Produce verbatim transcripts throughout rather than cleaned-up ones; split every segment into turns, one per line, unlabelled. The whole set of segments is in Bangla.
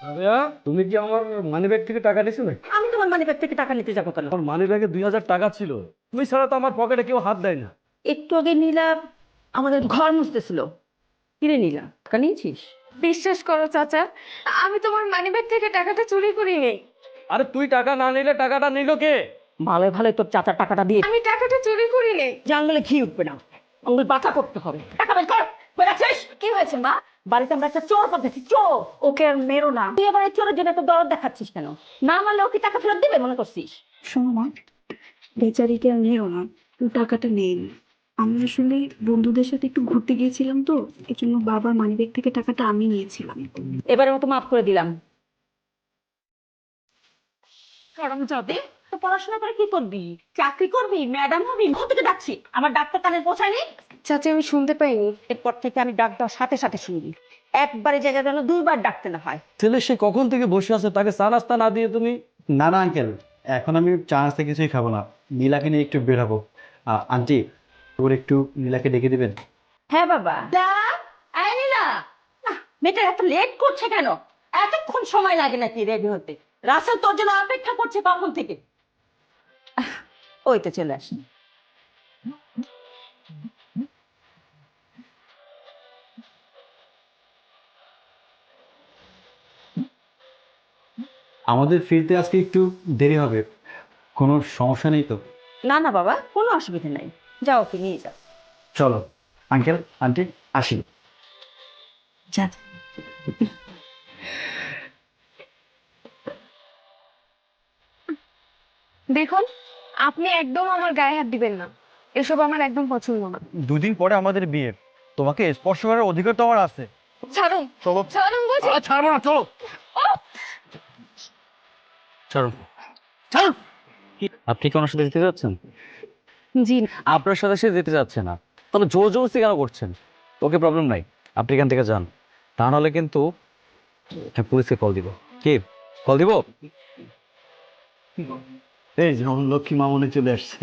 রাবেয়া, তুমি কি আমার মানি ব্যাগ থেকে টাকা নিছো নাকি?
আমি তোমার মানি ব্যাগ থেকে টাকা নিতে যাবো কেন?
আমার মানি ব্যাগে দুই হাজার টাকা ছিল। তুমি ছাড়া তো আমার পকেটে কেউ হাত দেয় না।
একটু আগে নীলা আমাদের ঘর মুছতেছিল। কিরে নীলা, টাকা নিয়েছিস?
বিশ্বাস করো চাচা, আমি তোমার মানিব্যাগ থেকে টাকাটা চুরি করিনি।
আরে তুই টাকা না নিলে টাকাটা নিল কে?
ভালো ভালো তোর চাচার টাকাটা দিয়ে
আমি টাকাটা চুরি করিনি।
জানলে ঘি উঠবে না, আঙুল বাঁকা করতে হবে। টাকা বের কর, বের আছিস?
কি হয়েছে মা?
বাড়িতে আমরা একটা চোর পাঠাচ্ছি, চোর। ওকে আর মেরো না। তুই এবার এই চোরের জন্য এত দরদ দেখাচ্ছিস কেন? না মারলে ওকে টাকা ফেরত দেবে মনে করছিস?
শোনো মা, বেচারিকে আর নিও না, তুমি টাকাটা নেন। আমি আসলে বন্ধুদের সাথে একটু ঘুরতে গিয়েছিলাম, তো এই জন্য বাবার মানিব্যাগ থেকে টাকাটা আমি নিয়েছিলাম।
এবারের মতো মাফ করে দিলাম।
গরম যাবে।
তো পড়াশোনা করে কি করবি? চাকরি করবি? ম্যাডাম হবি? কোথা থেকে ডাকছি? আমার ডাক্তার কানে পৌঁছায়নি।
চাচা আমি শুনতে পাইনি।
এরপর থেকে আমি ডাক দেওয়ার সাথে সাথে শুনবি। একবারে জায়গা যেন দুইবার ডাকতে না হয়।
ছেলে সে কখন থেকে বসে আছে, তাকে চা নাস্তা না দিয়ে তুমি?
না না আঙ্কেল, এখন আমি চা নাস্তা কিছুই খাবো না, নীলাকে নিয়ে একটু বের হবো। আহ, আন্টি, তোর একটু নীলাকে ডেকে দিবেন?
হ্যাঁ বাবা। এই নীলা, আহ, মেয়েটা এত লেট করছে কেন? এতক্ষণ সময় লাগে নাকি রেডি হতে? রাসেল তোর জন্য অপেক্ষা করছে কখন থেকে। আহ, ওই তো চলে আসি।
আমাদের ফিরতে আজকে একটু দেরি হবে, কোনো সমস্যা নেই তো?
না না বাবা, কোনো অসুবিধা নাই। যাও, ওকে নিয়ে যাও।
চলো আঙ্কেল আন্টি, আসি।
যা।
দেখুন, আপনি একদম আমার গায়ে হাত দিবেন না। এসব আমার একদম পছন্দ না।
দুদিন পরে আমাদের বিয়ে, তোমাকে স্পর্শ করার অধিকার তো আমার আছে।
ছাড়ুন,
চলো।
ছাড়ুন বলছি।
ছাড়বো না, চলো।
ছাড়ুন।
ছাড়ুন।
আপনি কি ওনার সাথে যেতে যাচ্ছেন?
জি।
আপনার সাথে সে যেতে যাচ্ছে না, তাহলে জোর জবরদস্তি কেন করছেন? ওকে, প্রবলেম নাই, আপনি এখান থেকে যান। তা নাহলে কিন্তু আমি পুলিশকে কল দিব। কি কল দিব?
এই যে আমার লক্ষ্মী মামনি চলে আসছে।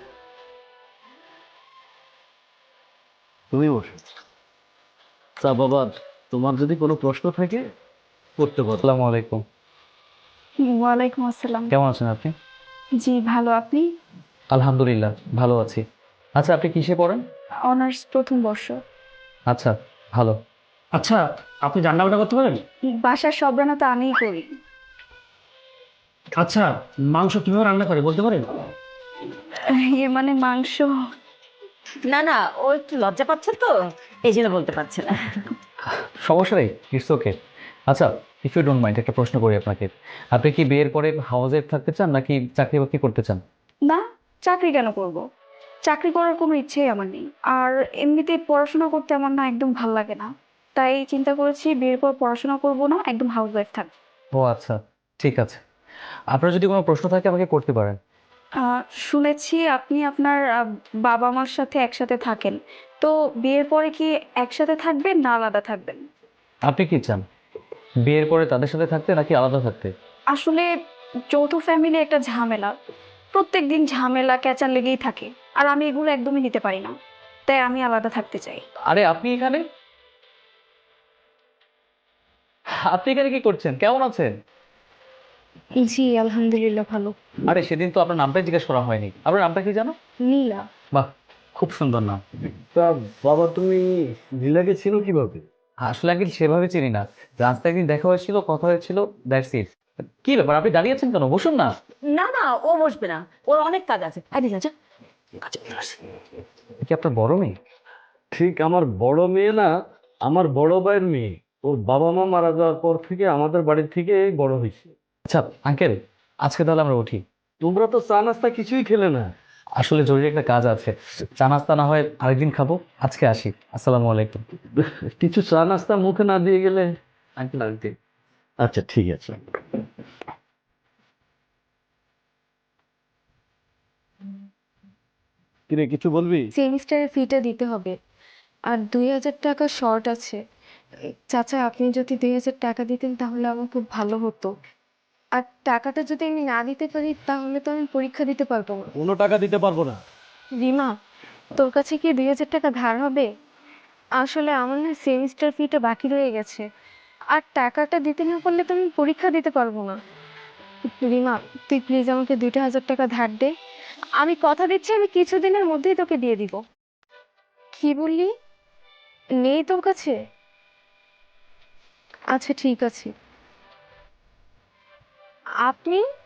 তুমি বসো।
তা বাবা, তোমার যদি কোনো প্রশ্ন থাকে করতে পারো। আসসালামু আলাইকুম।
ওয়ালাইকুম আসসালাম।
কেমন আছেন আপনি?
জি ভালো, আপনি?
আলহামদুলিল্লাহ ভালো আছি। আচ্ছা, আপনি কিসে পড়েন?
অনার্স প্রথম বর্ষ।
আচ্ছা, ভালো।
আচ্ছা, আপনি রান্না বান্না করতে পারেন?
বাসার সব রান্না তো আমিই করি।
আচ্ছা, মাংস কিভাবে রান্না করে বলতে পারেন?
এ মানে মাংস?
না না, ও একটু লজ্জা পাচ্ছে তো, এই জন্য বলতে পারছে না।
সমস্যা নেই, ইটস ওকে। আচ্ছা, ইফ ইউ ডোন্ট মাইন্ড, একটা প্রশ্ন করি আপনাকে। আপনি কি বিয়ের পরে হাউসে থাকতে চান নাকি চাকরি বাকরি করতে চান?
না, চাকরি কেন করব? চাকরি করার কোনো ইচ্ছেই আমার নেই। আর এমনিতে পড়াশোনা করতে আমার না একদম ভাল লাগে না। তাই চিন্তা করেছি বিয়ের পর পড়াশোনা করব না, একদম হাউস ওয়াইফ থাকবো।
ও আচ্ছা, ঠিক আছে। আপনার যদি কোনো প্রশ্ন থাকে আমাকে করতে পারেন।
আহ, শুনেছি আপনি আপনার আহ, বাবা মার সাথে একসাথে থাকেন। তো বিয়ের পরে কি একসাথে থাকবেন না আলাদা থাকবেন?
আপনি কি চান, বিয়ের পরে তাদের সাথে থাকতে নাকি আলাদা থাকতে?
আসলে যৌথ ফ্যামিলি একটা ঝামেলা। প্রত্যেকদিন ঝামেলা ক্যাচাল লেগেই থাকে। আর আমি এগুলো একদমই নিতে পারি না। তাই আমি আলাদা থাকতে চাই।
আরে আপনি এখানে, আপনি এখানে কি করছেন? কেমন আছেন?
জি আলহামদুলিল্লাহ ভালো।
আরে সেদিন তো আপনার নামটাই জিজ্ঞেস করা হয়নি। আপনার নামটা কি জানো?
নীলা।
বাহ, খুব সুন্দর নাম।
তা বাবা, তুমি নীলাকে চিনো কিভাবে?
আসলে আগে সেভাবে চিনি না, রাস্তায় একদিন দেখা হয়েছিল, কথা হয়েছিল, দ্যাটস ইট। কি ব্যাপার, আপনি দাঁড়িয়ে আছেন কেন? বসুন না।
না না, ও বসবে না, ওর অনেক কাজ আছে। আরে যা যা।
কি আপনার বড় মেয়ে?
ঠিক আমার বড় মেয়ে না, আমার বড় ভাইয়ের মেয়ে। ওর বাবা মা মারা যাওয়ার পর থেকে আমাদের বাড়ির থেকে বড় হয়েছে।
আচ্ছা আঙ্কেল, আজকে তাহলে আমরা উঠি।
তোমরা তো চা নাস্তা কিছুই খেলে না।
আসলে জরুরি একটা কাজ আছে, চা নাস্তা না হয় আরেকদিন খাবো, আজকে আসি। আসসালামু আলাইকুম।
কিছু চা নাস্তা মুখে না দিয়ে গেলে।
Uncle aunty.
আচ্ছা ঠিক আছে। কিরে, কিছু বলবি?
সেমিস্টারের ফিটা দিতে হবে। আর দুই হাজার টাকা শর্ট আছে। চাচা আপনি যদি দুই হাজার টাকা দিতেন তাহলে আমার খুব ভালো হতো। আর টাকাটা যদি আমি না দিতে পারি তাহলে তো আমি পরীক্ষা দিতে পারবো না।
কোনো টাকা দিতে পারবো না।
রিমা, তোর কাছে কি দুই হাজার টাকা ধার হবে? আসলে আমার না সেমিস্টার ফিটা বাকি রয়ে গেছে। আর টাকাটা দিতে না পারলে তো আমি পরীক্ষা দিতে পারবো না। রিমা, তুই প্লিজ আমাকে দুইটা হাজার টাকা ধার দে। আমি কথা দিচ্ছি আমি কিছুদিনের মধ্যেই তোকে দিয়ে দিব। কি বললি? নেই তোর কাছে? আচ্ছা ঠিক আছে। আপনি